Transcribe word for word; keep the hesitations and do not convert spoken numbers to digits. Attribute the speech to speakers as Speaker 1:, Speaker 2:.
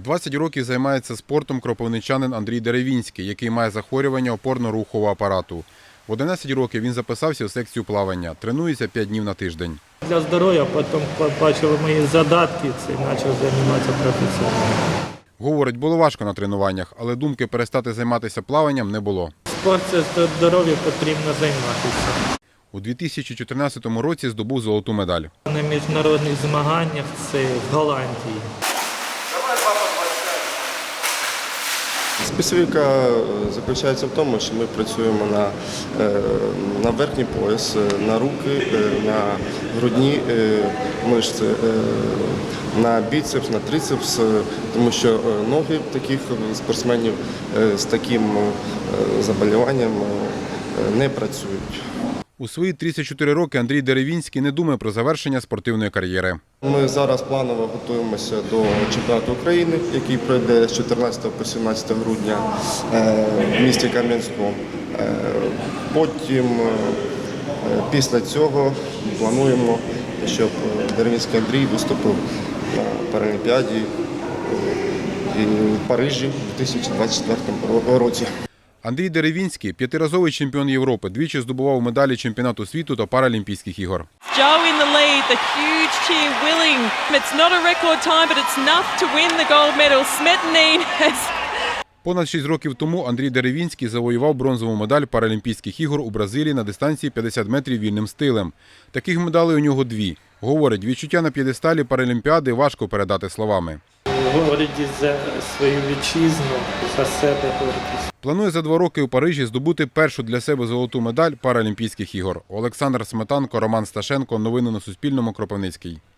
Speaker 1: двадцять років займається спортом кропивничанин Андрій Деревінський, який має захворювання опорно-рухового апарату. В одинадцять років він записався у секцію плавання, тренується п'ять днів на тиждень.
Speaker 2: Для здоров'я, потім побачили мої задатки і почав займатися професійно.
Speaker 1: Говорить, було важко на тренуваннях, але думки перестати займатися плаванням не було.
Speaker 2: Спорт – це здоров'я, потрібно займатися.
Speaker 1: У дві тисячі чотирнадцятому році здобув золоту медаль.
Speaker 2: На міжнародних змаганнях це в Голландії.
Speaker 3: Специфіка заключається в тому, що ми працюємо на, на верхній пояс, на руки, на грудні мишці, на біцепс, на трицепс, тому що ноги таких спортсменів з таким заболіванням не працюють.
Speaker 1: У свої тридцять чотири роки Андрій Деревінський не думає про завершення спортивної кар'єри.
Speaker 3: Ми зараз планово готуємося до чемпіонату України, який пройде з чотирнадцятого по сімнадцяте грудня в місті Кам'янському. Потім, після цього, плануємо, щоб Деревінський Андрій виступив на Паралімпіаді в Парижі у дві тисячі двадцять четвертому році.
Speaker 1: Андрій Деревінський – п'ятиразовий чемпіон Європи, двічі здобував медалі чемпіонату світу та Паралімпійських ігор.
Speaker 4: Joe in the lead, the huge cheer willing. It's not a record time, but it's enough to win the gold medal. Smetanine has...
Speaker 1: Понад шість років тому Андрій Деревінський завоював бронзову медаль Паралімпійських ігор у Бразилії на дистанції п'ятдесят метрів вільним стилем. Таких медалей у нього дві. Говорить, відчуття на п'єдесталі Паралімпіади важко передати словами.
Speaker 2: Говорить за свою вітчизну, за себе гордість.
Speaker 1: Планує за два роки у Парижі здобути першу для себе золоту медаль Паралімпійських ігор. Олександр Сметанко, Роман Сташенко. Новини на Суспільному. Кропивницький.